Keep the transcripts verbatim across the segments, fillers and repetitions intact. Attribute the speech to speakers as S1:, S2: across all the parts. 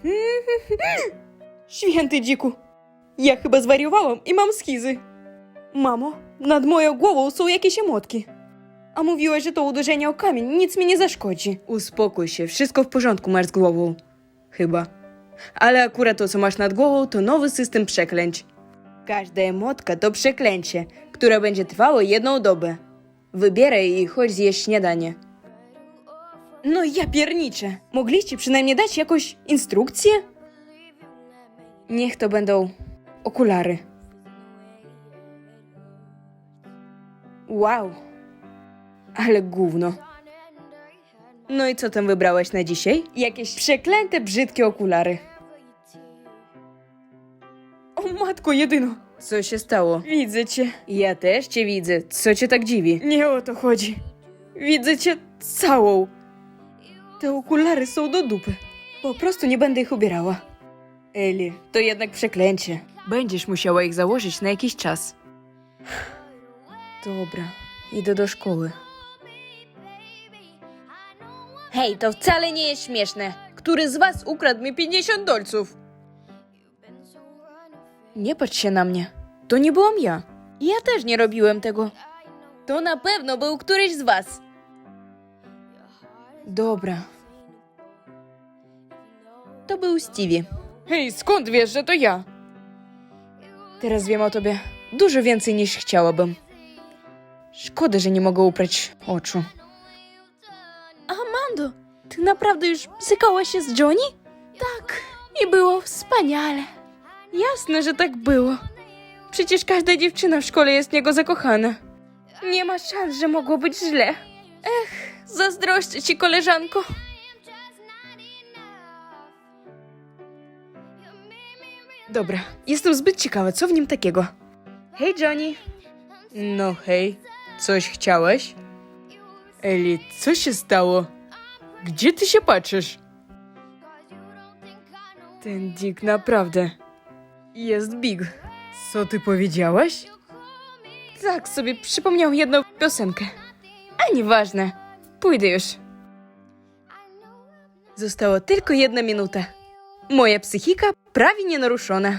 S1: Święty dziku, ja chyba zwariowałam i mam schizy. Mamo, nad moją głową są jakieś emotki. A mówiłaś, że to uderzenie o kamień nic mi nie zaszkodzi. Uspokój się, wszystko w porządku masz z głową. Chyba. Ale akurat to, co masz nad głową, to nowy system przeklęć. Każda emotka to przeklęcie, które będzie trwało jedną dobę. Wybieraj i chodź zjeść śniadanie. No ja pierniczę. Mogliście przynajmniej dać jakąś instrukcję? Niech to będą okulary. Wow. Ale gówno. No i co tam wybrałaś na dzisiaj? Jakieś przeklęte, brzydkie okulary. O matko jedyno. Co się stało? Widzę cię. Ja też cię widzę. Co cię tak dziwi? Nie o to chodzi. Widzę cię całą. Te okulary są do dupy. Po prostu nie będę ich ubierała. Eli, to jednak przeklęcie. Będziesz musiała ich założyć na jakiś czas. Dobra, idę do szkoły. Hej, to wcale nie jest śmieszne. Który z was ukradł mi pięćdziesiąt dolców? Nie patrz się na mnie. To nie byłam ja. Ja też nie robiłem tego. To na pewno był któryś z was. Dobra. To był Stevie. Hej, skąd wiesz, że to ja? Teraz wiem o tobie dużo więcej niż chciałabym. Szkoda, że nie mogę uprać oczu. Amando, ty naprawdę już sykałaś się z Johnny? Tak, i było wspaniale. Jasne, że tak było. Przecież każda dziewczyna w szkole jest w niego zakochana. Nie ma szans, że mogło być źle. Ech, zazdroszczę ci, koleżanko. Dobra, jestem zbyt ciekawa, co w nim takiego. Hej, Johnny. No hej, coś chciałeś? Eli, co się stało? Gdzie ty się patrzysz? Ten Dick naprawdę jest big. Co ty powiedziałaś? Tak sobie przypomniał jedną piosenkę. A nieważne, pójdę już. Została tylko jedna minuta. Moja psychika prawie nienaruszona.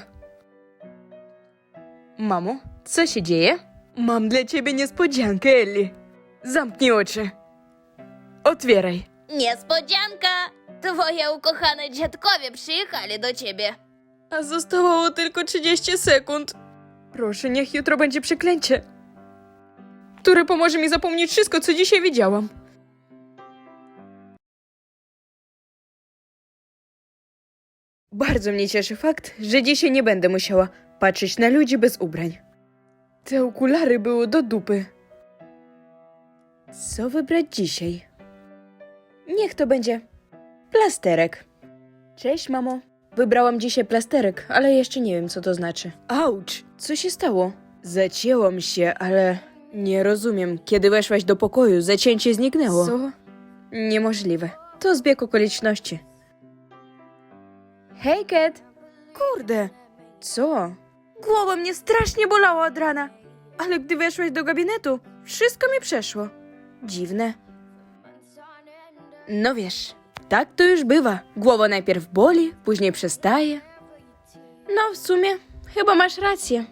S1: Mamo, co się dzieje? Mam dla ciebie niespodziankę, Ellie. Zamknij oczy. Otwieraj.
S2: Niespodzianka! Twoje ukochane dziadkowie przyjechali do ciebie.
S1: A zostało tylko trzydzieści sekund. Proszę, niech jutro będzie przeklęcie, które pomoże mi zapomnieć wszystko, co dzisiaj widziałam. Bardzo mnie cieszy fakt, że dzisiaj nie będę musiała patrzeć na ludzi bez ubrań. Te okulary były do dupy. Co wybrać dzisiaj? Niech to będzie plasterek. Cześć, mamo. Wybrałam dzisiaj plasterek, ale jeszcze nie wiem, co to znaczy. Auć! Co się stało? Zacięłam się, ale nie rozumiem. Kiedy weszłaś do pokoju, zacięcie zniknęło. Co? Niemożliwe. To zbieg okoliczności. Hej, Kat! Kurde! Co? Głowa mnie strasznie bolała od rana. Ale gdy weszłaś do gabinetu, wszystko mi przeszło. Dziwne. No wiesz, tak to już bywa. Głowa najpierw boli, później przestaje. No, w sumie, chyba masz rację.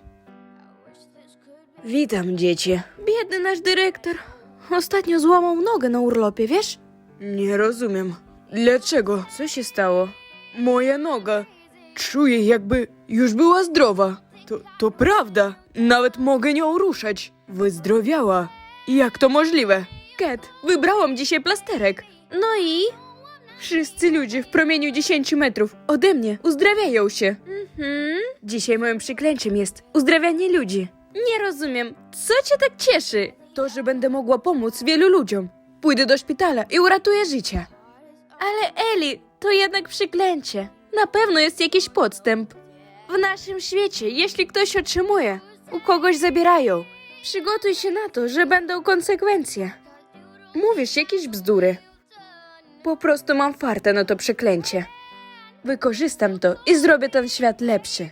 S1: Witam, dzieci. Biedny nasz dyrektor. Ostatnio złamał nogę na urlopie, wiesz? Nie rozumiem. Dlaczego? Co się stało? Moja noga. Czuję, jakby już była zdrowa. To, to prawda. Nawet mogę nią ruszać. Wyzdrowiała. Jak to możliwe? Kat, wybrałam dzisiaj plasterek. No i? Wszyscy ludzie w promieniu dziesięciu metrów ode mnie uzdrawiają się. Mhm. Dzisiaj moim przyklęciem jest uzdrawianie ludzi. Nie rozumiem, co cię tak cieszy? To, że będę mogła pomóc wielu ludziom. Pójdę do szpitala i uratuję życie. Ale Eli, to jednak przyklęcie. Na pewno jest jakiś podstęp. W naszym świecie, jeśli ktoś otrzymuje, u kogoś zabierają. Przygotuj się na to, że będą konsekwencje. Mówisz jakieś bzdury. Po prostu mam fartę na to przeklęcie. Wykorzystam to i zrobię ten świat lepszy.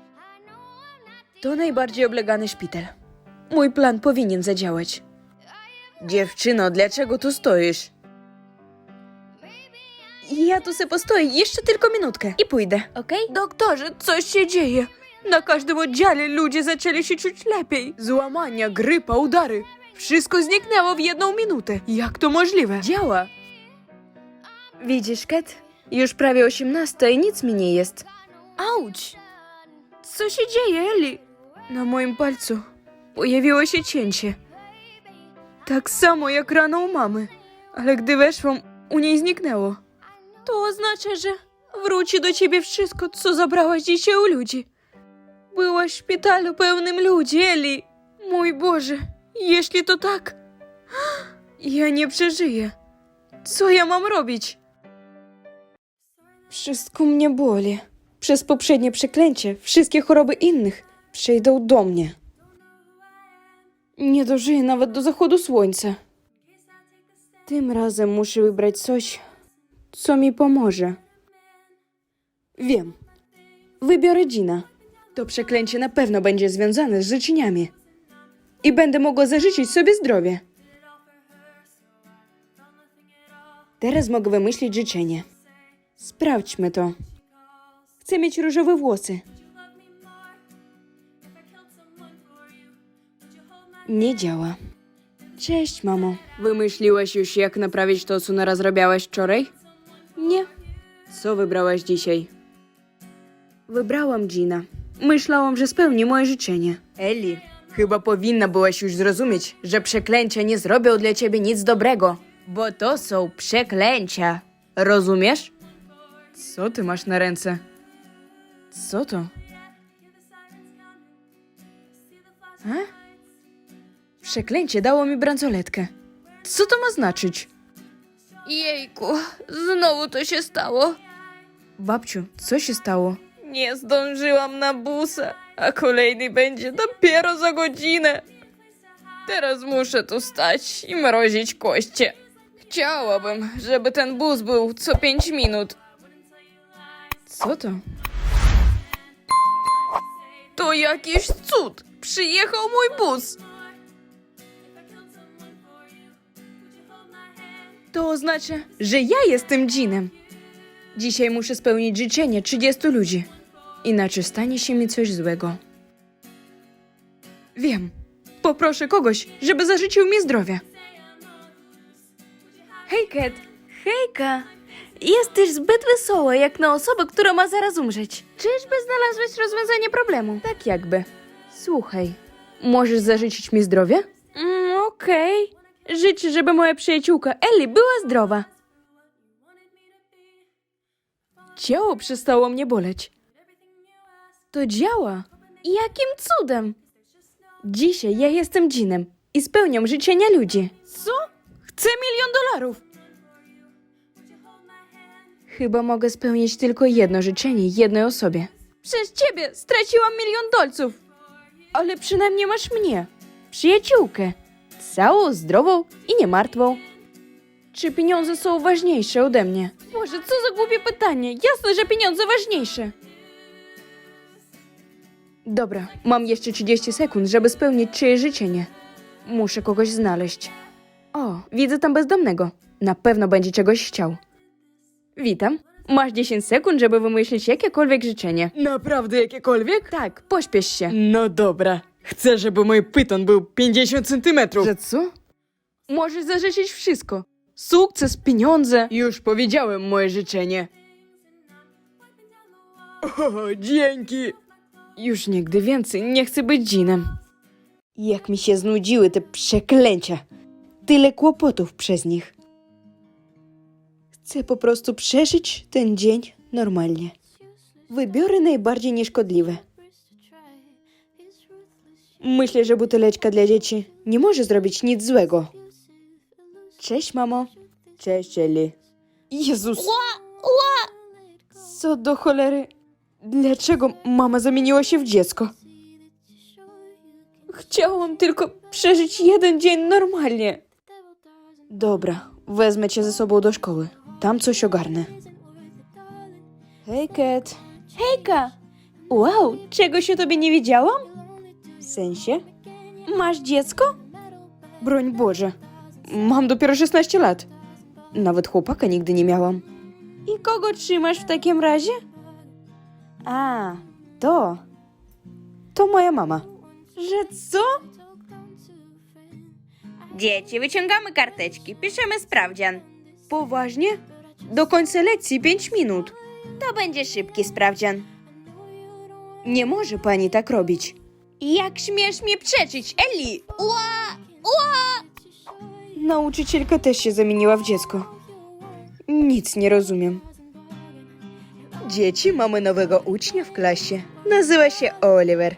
S1: To najbardziej oblegany szpital. Mój plan powinien zadziałać. Dziewczyno, dlaczego tu stoisz? Ja tu se postoję jeszcze tylko minutkę i pójdę.
S2: Okej?
S1: Doktorze, coś się dzieje. Na każdym oddziale ludzie zaczęli się czuć lepiej. Złamania, grypa, udary. Wszystko zniknęło w jedną minutę. Jak to możliwe? Działa. Widzisz, Kat? Już prawie osiemnasta i nic mi nie jest. Auć! Co się dzieje, Eli? Na moim palcu pojawiło się cięcie. Tak samo jak rano u mamy. Ale gdy weszłam, u niej zniknęło. To oznacza, że wróci do ciebie wszystko, co zabrałaś dzisiaj u ludzi. Byłaś w szpitalu pełnym ludzi, Eli. Mój Boże, jeśli to tak, ja nie przeżyję. Co ja mam robić? Wszystko mnie boli. Przez poprzednie przeklęcie wszystkie choroby innych przejdą do mnie. Nie dożyję nawet do zachodu słońca. Tym razem muszę wybrać coś, co mi pomoże. Wiem. Wybiorę Gina. To przeklęcie na pewno będzie związane z życzeniami. I będę mogła zażyczyć sobie zdrowie. Teraz mogę wymyślić życzenie. Sprawdźmy to. Chcę mieć różowe włosy. Nie działa. Cześć, mamo. Wymyśliłaś już, jak naprawić to, co narazrabiałaś wczoraj? Nie. Co wybrałaś dzisiaj? Wybrałam Gina. Myślałam, że spełni moje życzenie. Eli, chyba powinna byłaś już zrozumieć, że przeklęcia nie zrobią dla ciebie nic dobrego. Bo to są przeklęcia. Rozumiesz? Co ty masz na ręce? Co to? A? Przeklęcie dało mi bransoletkę. Co to ma znaczyć?
S2: Jejku, znowu to się stało.
S1: Babciu, co się stało? Nie zdążyłam na busa, a kolejny będzie dopiero za godzinę. Teraz muszę tu stać i mrozić koście. Chciałabym, żeby ten bus był co pięć minut. Co to? To jakiś cud! Przyjechał mój bus! To oznacza, że ja jestem Ginem. Dzisiaj muszę spełnić życzenie trzydziestu ludzi. Inaczej stanie się mi coś złego. Wiem. Poproszę kogoś, żeby zażyczył mi zdrowia. Hej, Kat. Hejka. Jesteś zbyt wesoła, jak na osobę, która ma zaraz umrzeć. Czyżby znalazłeś rozwiązanie problemu? Tak jakby. Słuchaj, możesz zażyczyć mi zdrowia? Mm, okej. Życzę, żeby moja przyjaciółka Ellie była zdrowa. Ciało przestało mnie boleć. To działa. Jakim cudem? Dzisiaj ja jestem Ginem i spełniam życzenia ludzi. Co? Chcę milion dolarów. Chyba mogę spełnić tylko jedno życzenie jednej osobie. Przez ciebie straciłam milion dolców. Ale przynajmniej masz mnie, przyjaciółkę. Całą, zdrową i niemartwą. Czy pieniądze są ważniejsze ode mnie? Boże, co za głupie pytanie. Jasne, że pieniądze ważniejsze. Dobra, mam jeszcze trzydzieści sekund, żeby spełnić czyjeś życzenie. Muszę kogoś znaleźć. O, widzę tam bezdomnego. Na pewno będzie czegoś chciał. Witam. Masz dziesięć sekund, żeby wymyślić jakiekolwiek życzenie. Naprawdę jakiekolwiek? Tak, pośpiesz się. No dobra. Chcę, żeby mój pyton był pięćdziesiąt centymetrów. Że co? Możesz zażyczyć wszystko. Sukces, pieniądze. Już powiedziałem moje życzenie. O, dzięki. Już nigdy więcej nie chcę być Ginem. Jak mi się znudziły te przeklęcia. Tyle kłopotów przez nich. Chcę po prostu przeżyć ten dzień normalnie. Wybiorę najbardziej nieszkodliwe. Myślę, że buteleczka dla dzieci nie może zrobić nic złego. Cześć, mamo. Cześć, Eli. Jezus.
S2: Ła, ła!
S1: Co do cholery? Dlaczego mama zamieniła się w dziecko? Chciałam tylko przeżyć jeden dzień normalnie. Dobra, wezmę cię ze sobą do szkoły. Tam coś ogarnę. Hej, Kat. Hejka! Wow, czego się tobie nie wiedziałam? W sensie? Masz dziecko? Broń Boże. Mam dopiero szesnaście lat. Nawet chłopaka nigdy nie miałam. I kogo trzymasz w takim razie? A, to. To moja mama. Że co? Dzieci, wyciągamy karteczki, piszemy sprawdzian. Poważnie? Do końca lekcji pięć minut. To będzie szybki sprawdzian. Nie może pani tak robić. Jak śmiesz mnie przeczyć, Eli?
S2: Ła! Ła!
S1: Nauczycielka też się zamieniła w dziecko. Nic nie rozumiem. Dzieci, mamy nowego ucznia w klasie. Nazywa się Oliver.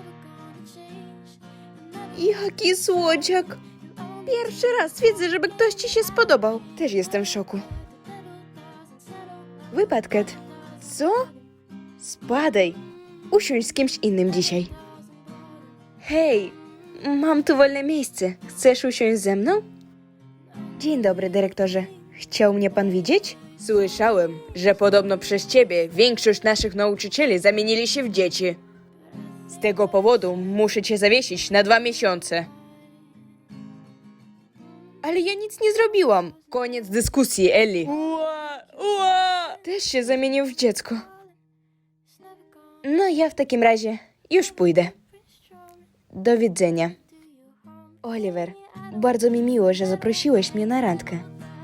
S1: Jaki słodziak. Pierwszy raz widzę, żeby ktoś ci się spodobał. Też jestem w szoku. Wypadket. Co? Spadaj. Usiądź z kimś innym dzisiaj. Hej, mam tu wolne miejsce. Chcesz usiąść ze mną? Dzień dobry, dyrektorze. Chciał mnie pan widzieć? Słyszałem, że podobno przez ciebie większość naszych nauczycieli zamienili się w dzieci. Z tego powodu muszę cię zawiesić na dwa miesiące. Ale ja nic nie zrobiłam. Koniec dyskusji, Eli. Ua, ua. Też się zamienił w dziecko. No ja w takim razie już pójdę. Do widzenia. Oliver, bardzo mi miło, że zaprosiłeś mnie na randkę.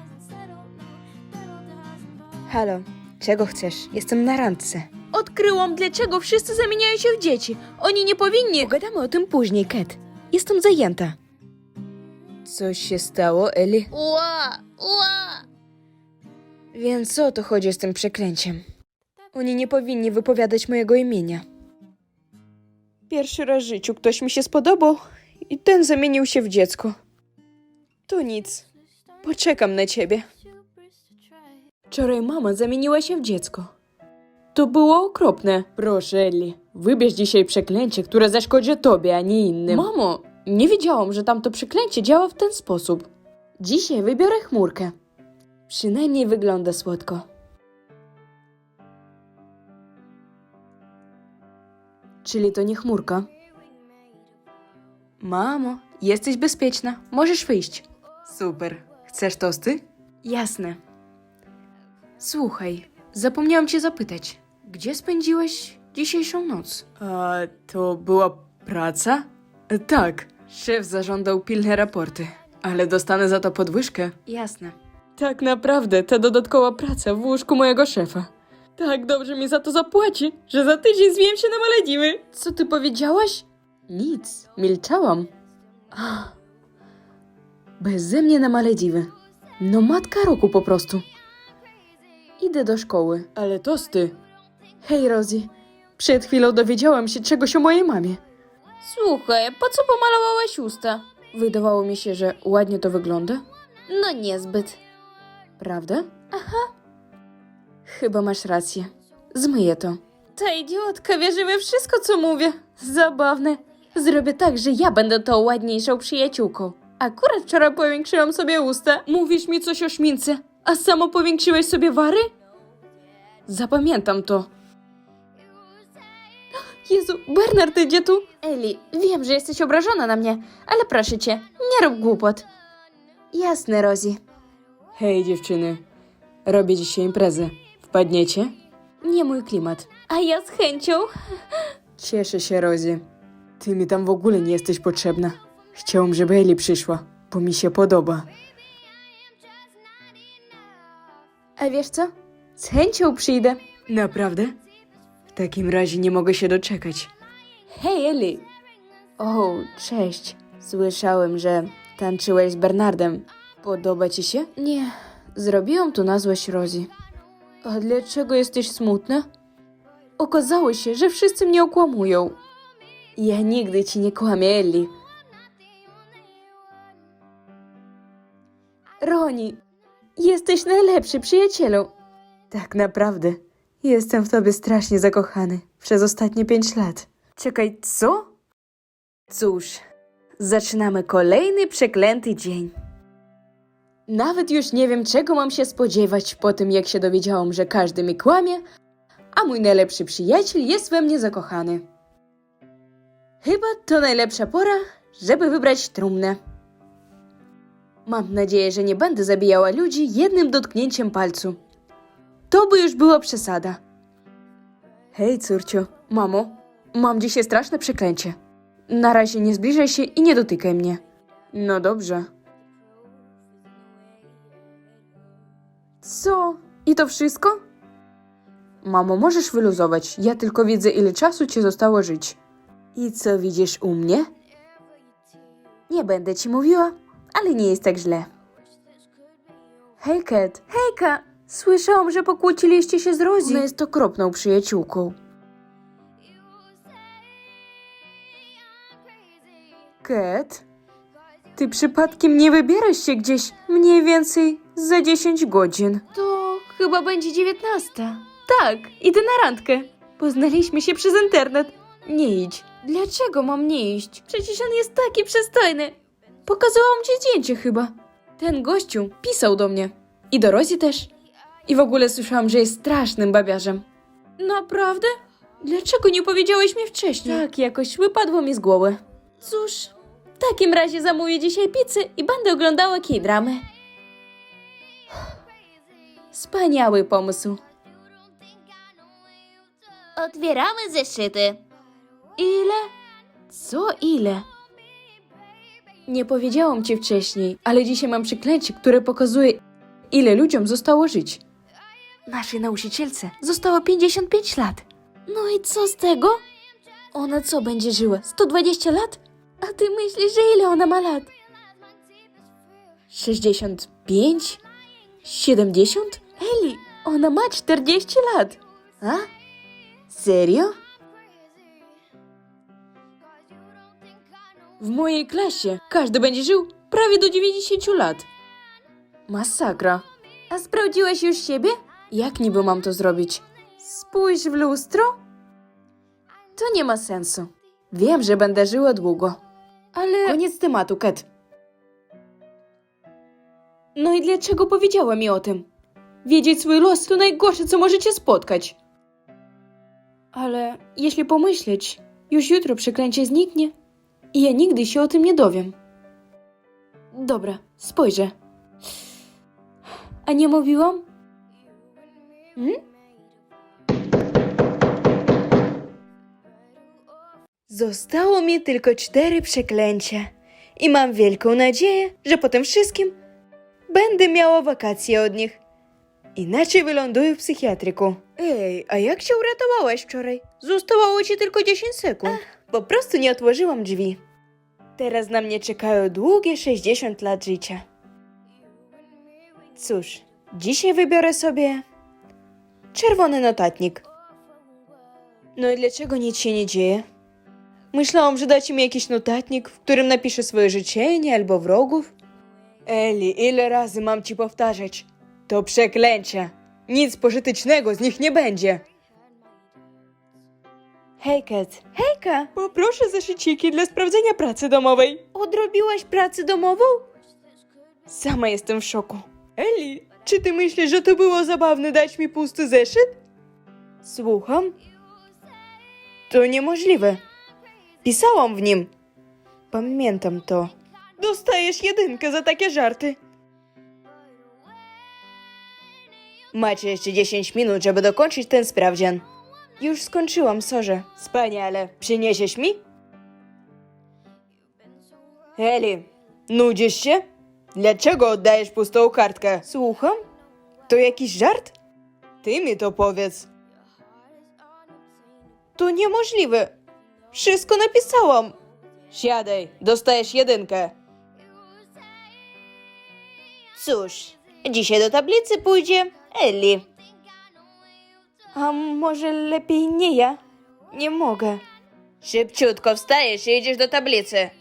S1: Halo, czego chcesz? Jestem na randce. Odkryłam, dlaczego wszyscy zamieniają się w dzieci. Oni nie powinni... Pogadamy o tym później, Kat. Jestem zajęta. Coś się stało, Eli?
S2: Ła! Ła!
S1: Więc o to chodzi z tym przeklęciem. Oni nie powinni wypowiadać mojego imienia. Pierwszy raz w życiu ktoś mi się spodobał i ten zamienił się w dziecko. To nic. Poczekam na ciebie. Wczoraj mama zamieniła się w dziecko. To było okropne. Proszę, Eli, wybierz dzisiaj przeklęcie, które zaszkodzi tobie, a nie innym. Mamo, nie wiedziałam, że tamto przeklęcie działa w ten sposób. Dzisiaj wybiorę chmurkę. Przynajmniej wygląda słodko. Czyli to nie chmurka. Mamo, jesteś bezpieczna. Możesz wyjść. Super. Chcesz tosty? Jasne. Słuchaj, zapomniałam cię zapytać. Gdzie spędziłeś dzisiejszą noc? A to była praca? E, tak. Szef zażądał pilne raporty. Ale dostanę za to podwyżkę? Jasne. Tak naprawdę, ta dodatkowa praca w łóżku mojego szefa. Tak dobrze mi za to zapłaci, że za tydzień zwijem się na Malediwy. Co ty powiedziałaś? Nic, milczałam. Ach. Beze mnie na Malediwy. No matka roku po prostu. Idę do szkoły. Ale tosty. Hej, Rosie. Przed chwilą dowiedziałam się czegoś o mojej mamie. Słuchaj, po co pomalowałaś usta? Wydawało mi się, że ładnie to wygląda. No niezbyt. Prawda? Aha. Chyba masz rację. Zmyję to. Ta idiotka wierzy we wszystko, co mówię. Zabawne. Zrobię tak, że ja będę tą ładniejszą przyjaciółką. Akurat wczoraj powiększyłam sobie usta. Mówisz mi coś o szmince, a samo powiększyłeś sobie wary? Zapamiętam to. Jezu, Bernard idzie tu. Eli, wiem, że jesteś obrażona na mnie, ale proszę cię, nie rób głupot. Jasne, Rosie. Hej, dziewczyny. Robię dzisiaj imprezę. Wpadniecie? Nie mój klimat. A ja z chęcią. Cieszę się, Rosie. Ty mi tam w ogóle nie jesteś potrzebna. Chciałam, żeby Eli przyszła, bo mi się podoba. A wiesz co? Z chęcią przyjdę. Naprawdę? W takim razie nie mogę się doczekać. Hej, Eli! O, cześć. Słyszałem, że tańczyłeś z Bernardem. Podoba ci się? Nie. Zrobiłam to na złość Rosie. A dlaczego jesteś smutna? Okazało się, że wszyscy mnie okłamują. Ja nigdy ci nie kłamię, Eli. Roni, jesteś najlepszy przyjacielu. Tak naprawdę, jestem w tobie strasznie zakochany przez ostatnie pięć lat. Czekaj, co? Cóż, zaczynamy kolejny przeklęty dzień. Nawet już nie wiem, czego mam się spodziewać po tym, jak się dowiedziałam, że każdy mi kłamie, a mój najlepszy przyjaciel jest we mnie zakochany. Chyba to najlepsza pora, żeby wybrać trumnę. Mam nadzieję, że nie będę zabijała ludzi jednym dotknięciem palcu. To by już była przesada. Hej, córciu, mamo, mam dzisiaj straszne przeklęcie. Na razie nie zbliżaj się i nie dotykaj mnie. No dobrze. Co? I to wszystko? Mamo, możesz wyluzować. Ja tylko widzę, ile czasu ci zostało żyć. I co widzisz u mnie? Nie będę ci mówiła, ale nie jest tak źle. Hej, Kat. Hejka! Słyszałam, że pokłóciliście się z Rosie. Ona jest okropną przyjaciółką. Kat? Ty przypadkiem nie wybierasz się gdzieś mniej więcej za dziesięć godzin? To chyba będzie dziewiętnasta. Tak, idę na randkę. Poznaliśmy się przez internet. Nie idź. Dlaczego mam nie iść? Przecież on jest taki przystojny. Pokazałam ci zdjęcie chyba. Ten gościu pisał do mnie. I do Rosie też. I w ogóle słyszałam, że jest strasznym babiarzem. Naprawdę? Dlaczego nie powiedziałeś mi wcześniej? Tak, jakoś wypadło mi z głowy. Cóż, w takim razie zamówię dzisiaj pizzę i będę oglądała K-dramy. Wspaniały pomysł.
S2: Otwieramy zeszyty.
S1: Ile? Co ile? Nie powiedziałam ci wcześniej, ale dzisiaj mam przeklęcie, które pokazuje, ile ludziom zostało żyć. Naszej nauczycielce zostało pięćdziesiąt pięć lat. No i co z tego? Ona co, będzie żyła? sto dwadzieścia lat? A ty myślisz, że ile ona ma lat? sześćdziesiąt pięć? siedemdziesiąt? Eli, ona ma czterdzieści lat. A? Serio? W mojej klasie każdy będzie żył prawie do dziewięćdziesięciu lat. Masakra. A sprawdziłaś już siebie? Jak niby mam to zrobić? Spójrz w lustro. To nie ma sensu. Wiem, że będę żyła długo. Ale... Koniec tematu, Kat. No i dlaczego powiedziała mi o tym? Wiedzieć swój los to najgorsze, co możecie spotkać. Ale jeśli pomyśleć, już jutro przeklęcie zniknie i ja nigdy się o tym nie dowiem. Dobra, spojrzę. A nie mówiłam? Hmm? Zostało mi tylko cztery przeklęcia i mam wielką nadzieję, że po tym wszystkim będę miała wakacje od nich. Inaczej wyląduję w psychiatryku. Ej, a jak się uratowałaś wczoraj? Zostało ci tylko dziesięć sekund. Ach, po prostu nie otworzyłam drzwi. Teraz na mnie czekają długie sześćdziesiąt lat życia. Cóż, dzisiaj wybiorę sobie czerwony notatnik. No i dlaczego nic się nie dzieje? Myślałam, że dacie mi jakiś notatnik, w którym napiszę swoje życzenie albo wrogów. Eli, ile razy mam ci powtarzać? To przeklęcia. Nic pożytecznego z nich nie będzie. Hej, Kat. Hejka! Poproszę zeszyciki dla sprawdzenia pracy domowej. Odrobiłaś pracę domową? Sama jestem w szoku. Eli, czy ty myślisz, że to było zabawne dać mi pusty zeszyt? Słucham? To niemożliwe. Pisałam w nim. Pamiętam to. Dostajesz jedynkę za takie żarty. Macie jeszcze dziesięć minut, żeby dokończyć ten sprawdzian. Już skończyłam, sorze. Wspaniale. Przyniesiesz mi? Eli, nudzisz się? Dlaczego oddajesz pustą kartkę? Słucham? To jakiś żart? Ty mi to powiedz. To niemożliwe. Wszystko napisałam. Siadaj, dostajesz jedynkę. Cóż, dzisiaj do tablicy pójdzie Eli. A może lepiej nie ja? Nie mogę. Szybciutko wstajesz i idziesz do tablicy.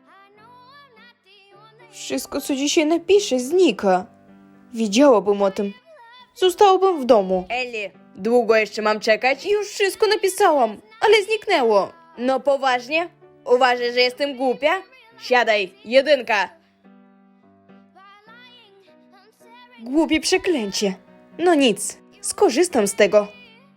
S1: Wszystko, co dzisiaj napiszę, znika. Wiedziałabym o tym. Zostałabym w domu. Eli, długo jeszcze mam czekać? Już wszystko napisałam, ale zniknęło. No poważnie? Uważasz, że jestem głupia? Siadaj, jedynka. Głupie przeklęcie. No nic, skorzystam z tego.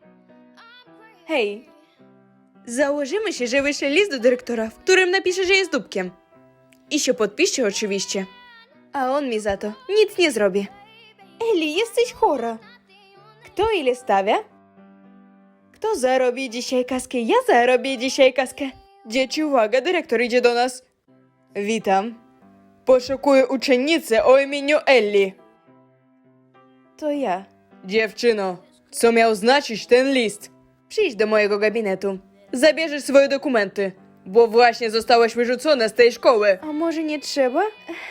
S1: Hej, założymy się, że wyślę list do dyrektora, w którym napiszę, że jest dupkiem. I się podpisze oczywiście. A on mi za to nic nie zrobi. Eli, jesteś chora. Kto ile stawia? Kto zarobi dzisiaj kaskę? Ja zarobię dzisiaj kaskę. Dzieci, uwaga, dyrektor idzie do nas. Witam. Poszukuję uczennicy o imieniu Ellie. To ja. Dziewczyno, co miał znaczyć ten list? Przyjdź do mojego gabinetu. Zabierzesz swoje dokumenty, bo właśnie zostałaś wyrzucona z tej szkoły. A może nie trzeba?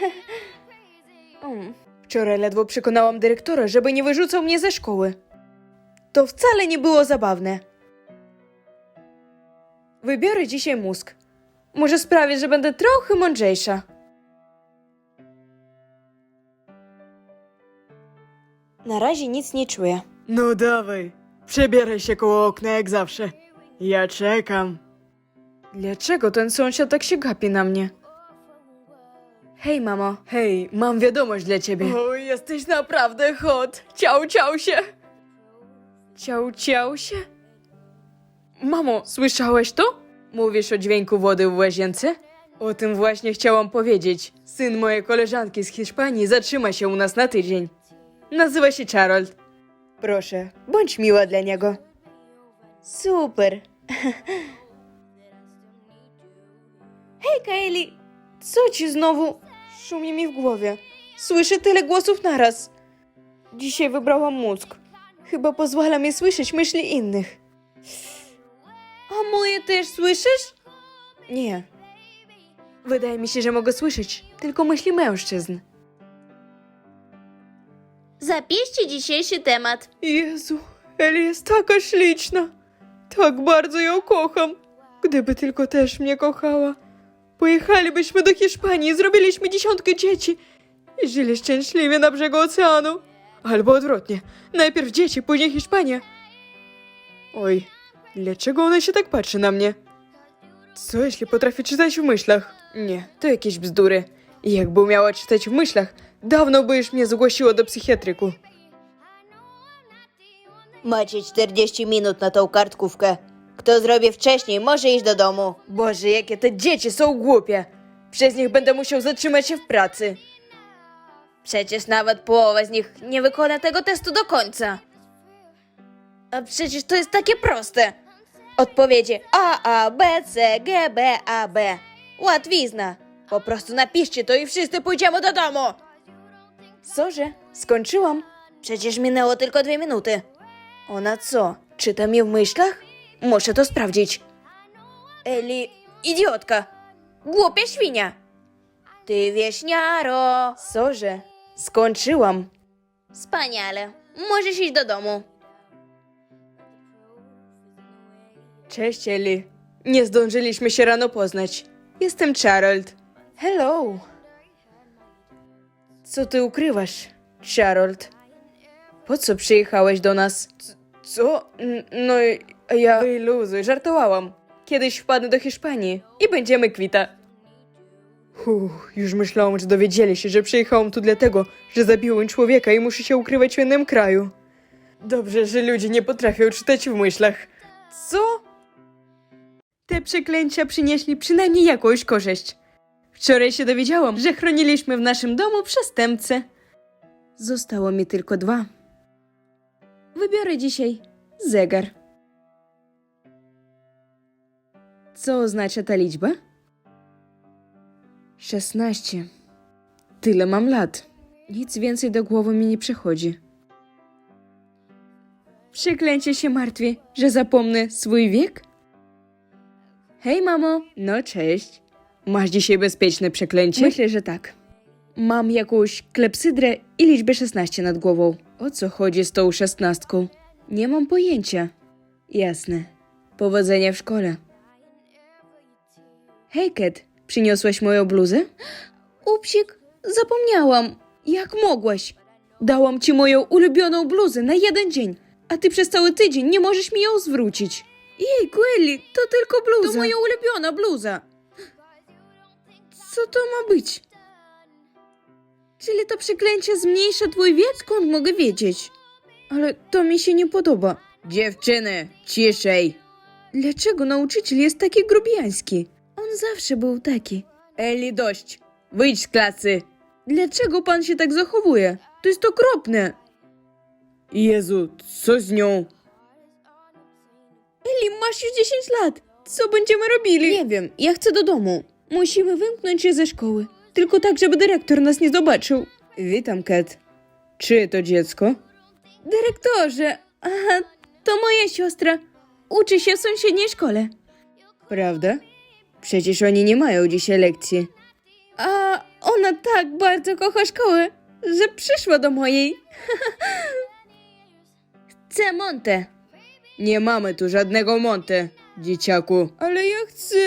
S1: um. Wczoraj ledwo przekonałam dyrektora, żeby nie wyrzucał mnie ze szkoły. To wcale nie było zabawne. Wybiorę dzisiaj mózg. Może sprawię, że będę trochę mądrzejsza. Na razie nic nie czuję.
S3: No dawaj, przebieraj się koło okna jak zawsze. Ja czekam.
S1: Dlaczego ten sąsiad tak się gapi na mnie? Hej, mamo.
S3: Hej, mam wiadomość dla ciebie. O, jesteś naprawdę hot. Ciał, ciał się.
S1: Ciał, ciał się? Mamo, słyszałeś to? Mówisz o dźwięku wody w łazience?
S3: O tym właśnie chciałam powiedzieć. Syn mojej koleżanki z Hiszpanii zatrzyma się u nas na tydzień. Nazywa się Harold.
S1: Proszę, bądź miła dla niego. Super. Hej, Kaeli, co ci znowu? Szumi mi w głowie. Słyszę tyle głosów naraz. Dzisiaj wybrałam mózg. Chyba pozwala mi słyszeć myśli innych. A moje też słyszysz? Nie. Wydaje mi się, że mogę słyszeć tylko myśli mężczyzn.
S2: Zapiszcie dzisiejszy temat.
S3: Jezu, Eli jest taka śliczna. Tak bardzo ją kocham. Gdyby tylko też mnie kochała. Pojechalibyśmy do Hiszpanii, zrobiliśmy dziesiątkę dzieci i żyli szczęśliwie na brzegu oceanu. Albo odwrotnie. Najpierw dzieci, później Hiszpania. Oj, dlaczego ona się tak patrzy na mnie? Co jeśli potrafi czytać w myślach? Nie, to jakieś bzdury. Jakby umiała czytać w myślach, dawno by już mnie zgłosiło do psychiatryku.
S2: Macie czterdzieści minut na tą kartkówkę. Kto zrobi wcześniej, może iść do domu.
S1: Boże, jakie te dzieci są głupie. Przez nich będę musiał zatrzymać się w pracy. Przecież nawet połowa z nich nie wykona tego testu do końca. A przecież to jest takie proste. Odpowiedzi A, A, B, C, G, B, A, B. Łatwizna. Po prostu napiszcie to i wszyscy pójdziemy do domu. Sorze, skończyłam. Przecież minęło tylko dwie minuty. Ona co, czyta mi w myślach? Muszę to sprawdzić. Eli, idiotka. Głupia świnia. Ty wieśniaro. Sorze, skończyłam. Wspaniale. Możesz iść do domu.
S3: Cześć, Eli. Nie zdążyliśmy się rano poznać. Jestem Harold.
S1: Hello. Co ty ukrywasz, Harold?
S3: Po co przyjechałeś do nas? C- co? N- No i- ja... Wyluzuj, żartowałam. Kiedyś wpadnę do Hiszpanii i będziemy kwita. Uff, już myślałam, że dowiedzieli się, że przyjechałam tu dlatego, że zabiłem człowieka i muszę się ukrywać w innym kraju. Dobrze, że ludzie nie potrafią czytać w myślach.
S1: Co?
S3: Te przeklęcia przynieśli przynajmniej jakąś korzyść. Wczoraj się dowiedziałam, że chroniliśmy w naszym domu przestępcę. Zostało mi tylko dwa. Wybiorę dzisiaj zegar. Co oznacza ta liczba? Szesnaście. Tyle mam lat. Nic więcej do głowy mi nie przychodzi. Przeklęcie się martwi, że zapomnę swój wiek? Hej, mamo. No, cześć. Masz dzisiaj bezpieczne przeklęcie? Myślę, że tak. Mam jakąś klepsydrę i liczbę szesnaście nad głową. O co chodzi z tą szesnastką? Nie mam pojęcia. Jasne. Powodzenia w szkole. Hej, Kat. Przyniosłaś moją bluzę? Upsik, zapomniałam. Jak mogłaś? Dałam ci moją ulubioną bluzę na jeden dzień, a ty przez cały tydzień nie możesz mi ją zwrócić. Jejku, Eli, to tylko bluza. To moja ulubiona bluza. Co to ma być? Czyli to przeklęcie zmniejsza twój wiek? Skąd mogę wiedzieć? Ale to mi się nie podoba. Dziewczyny, ciszej. Dlaczego nauczyciel jest taki grubiański? On zawsze był taki. Eli, dość. Wyjdź z klasy. Dlaczego pan się tak zachowuje? To jest okropne.
S1: Jezu, co z nią?
S3: Eli, masz już dziesięć lat. Co będziemy robili? Nie wiem, ja chcę do domu. Musimy wymknąć się ze szkoły. Tylko tak, żeby dyrektor nas nie zobaczył.
S1: Witam, Kat. Czyje to dziecko?
S3: Dyrektorze, aha, to moja siostra. Uczy się w sąsiedniej szkole.
S1: Prawda? Przecież oni nie mają dzisiaj lekcji.
S3: A ona tak bardzo kocha szkołę, że przyszła do mojej. Chcę Monte.
S1: Nie mamy tu żadnego Monte, dzieciaku.
S3: Ale ja chcę.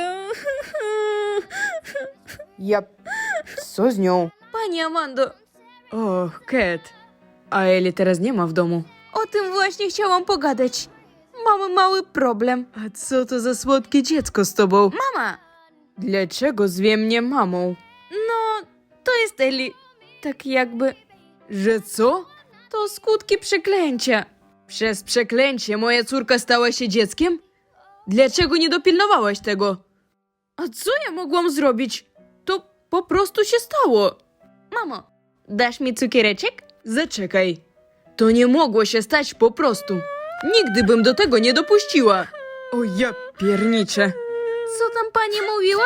S1: Ja... Co z nią?
S3: Pani Amando,
S1: Och, Kat. A Eli teraz nie ma w domu.
S3: o tym właśnie chciałam pogadać. Mamy mały problem.
S1: A co to za słodkie dziecko z tobą?
S3: Mama,
S1: Dlaczego zwie mnie mamą?
S3: no to jest Eli. Tak jakby
S1: Że co?
S3: to skutki przeklęcia.
S1: Przez przeklęcie moja córka stała się dzieckiem? Dlaczego nie dopilnowałaś tego?
S3: A co ja mogłam zrobić? To po prostu się stało. Mamo, dasz mi cukiereczek?
S1: Zaczekaj. To nie mogło się stać po prostu. Nigdy bym do tego nie dopuściła. O ja pierniczę.
S3: Co tam pani mówiła?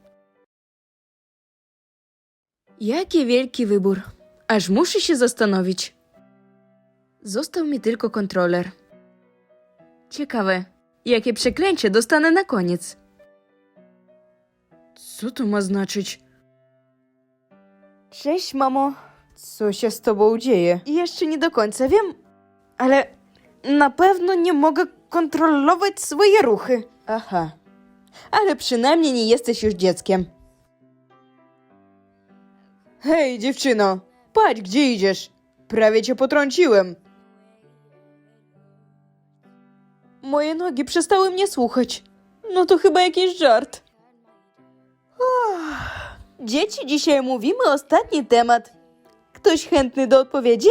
S1: Jaki wielki wybór. Aż muszę się zastanowić. Został mi tylko kontroler. Ciekawe, jakie przeklęcie dostanę na koniec. Co to ma znaczyć?
S3: Cześć, mamo.
S1: Co się z tobą dzieje?
S3: Jeszcze nie do końca wiem, ale na pewno nie mogę kontrolować swoje ruchy.
S1: Aha. Ale przynajmniej nie jesteś już dzieckiem. Hej, dziewczyno, patrz, gdzie idziesz. Prawie cię potrąciłem.
S3: Moje nogi przestały mnie słuchać. No to chyba jakiś żart. Uff. Dzieci, dzisiaj mówimy ostatni temat. Ktoś chętny do odpowiedzi?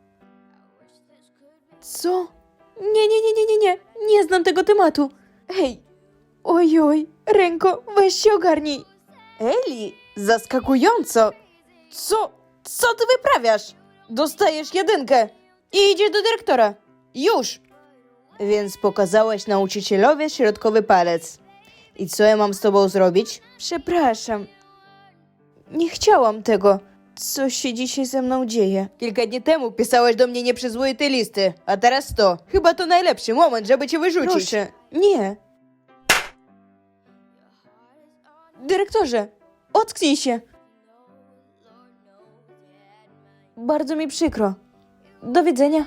S3: Co? Nie, nie, nie, nie, nie, nie. Nie znam tego tematu. Hej. Ojoj, ręko, weź się ogarnij. Eli, zaskakująco. Co? Co ty wyprawiasz? Dostajesz jedynkę i idziesz do dyrektora. Już.
S2: Więc pokazałaś nauczycielowi środkowy palec. I co ja mam z tobą zrobić?
S3: Przepraszam. Nie chciałam tego. Co się dzisiaj ze mną dzieje?
S2: Kilka dni temu pisałaś do mnie nieprzyzwoite listy, a teraz to. Chyba to najlepszy moment, żeby cię wyrzucić.
S3: Proszę, nie. Dyrektorze, ocknij się. Bardzo mi przykro. Do widzenia.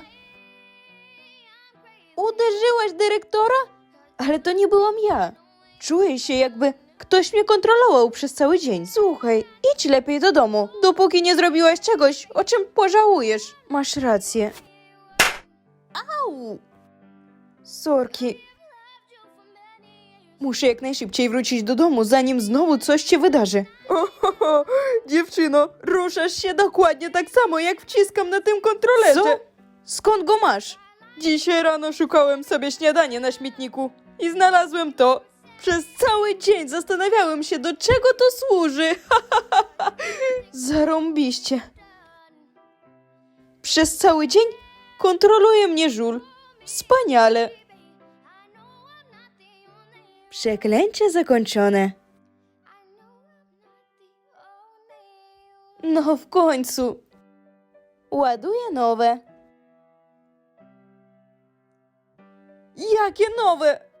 S3: Uderzyłaś dyrektora? Ale to nie byłam ja. Czuję się, jakby ktoś mnie kontrolował przez cały dzień. Słuchaj, idź lepiej do domu, dopóki nie zrobiłaś czegoś, o czym pożałujesz. Masz rację. Au! Sorki. Muszę jak najszybciej wrócić do domu, zanim znowu coś się wydarzy.
S1: Ohoho, dziewczyno, ruszasz się dokładnie tak samo, jak wciskam na tym kontrolerze.
S3: Co? Skąd go masz?
S1: Dzisiaj rano szukałem sobie śniadanie na śmietniku i znalazłem to. Przez cały dzień zastanawiałem się, do czego to służy.
S3: Zarąbiście. Przez cały dzień kontroluje mnie żul. Wspaniale. Przeklęcie zakończone. No w końcu. Ładuję nowe.
S1: Jakie nowe?